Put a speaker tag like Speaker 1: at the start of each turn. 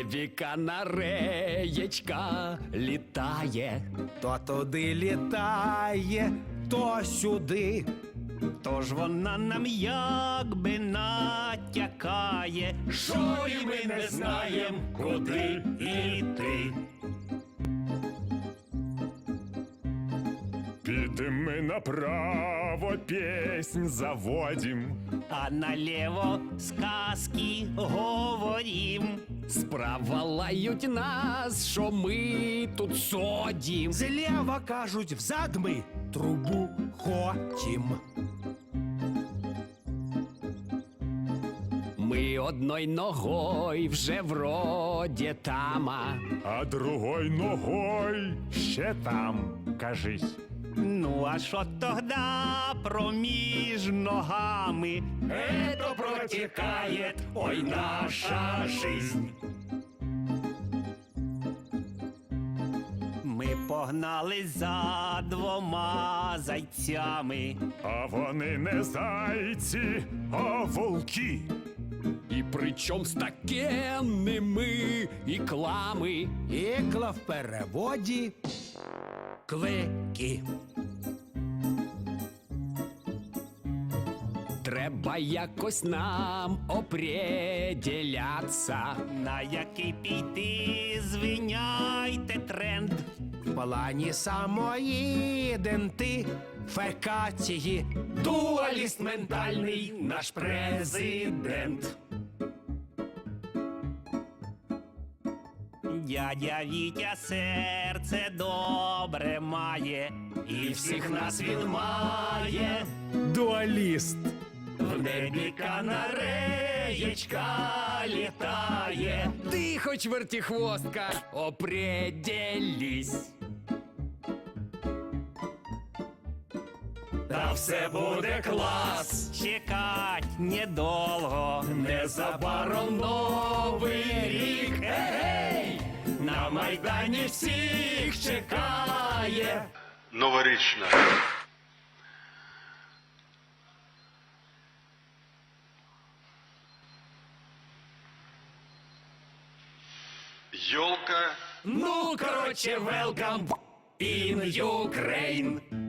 Speaker 1: небі канареєчка літає.
Speaker 2: То туди літає, то сюди.
Speaker 3: Тож вона нам якби натякає,
Speaker 1: Що і ми не знаєм, куди
Speaker 3: іти.
Speaker 4: Підем ми направо, піснь заводім.
Speaker 3: А наліво сказки говорім.
Speaker 1: Справа лають нас, що ми тут содім.
Speaker 2: Зліва кажуть, взад ми трубу хотім.
Speaker 1: Ми одной ногой вже вроде тама.
Speaker 4: А другой ногой ще там, кажись.
Speaker 3: Ну а що тогда проміж ногами?
Speaker 1: Это протекает, ой, наша жизнь.
Speaker 3: Ми погнали за двома зайцями.
Speaker 4: А вони не зайці, а волки.
Speaker 1: І причом з такенними іклами.
Speaker 2: Ікла в переводі клики.
Speaker 1: Треба якось нам определяться.
Speaker 3: На який піти, звиняйте тренд.
Speaker 2: В плані самої ідентифікації.
Speaker 1: Дуаліст ментальний наш президент.
Speaker 3: Дядя Вітя серце добре має,
Speaker 1: І всіх нас він має.
Speaker 2: Дуаліст.
Speaker 1: В небі канареєчка літає. Ти хоч вертихвостка, определись. Та все буде клас.
Speaker 3: чекать недовго.
Speaker 1: Незабаром новий рік. Ей! На Майдані всіх чекає.
Speaker 5: Новорічна. Йолка.
Speaker 1: Ну, короче, welcome in Ukraine.